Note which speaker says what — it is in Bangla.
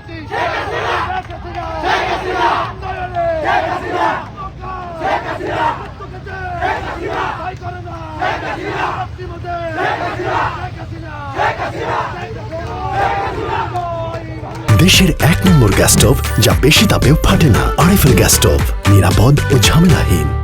Speaker 1: দেশের 1 নম্বর গ্যাস স্টোভ যা বেশি তাপেও ফাটে না। আরএফএল গ্যাস স্টোভ, নিরাপদ ও ঝামেলাহীন।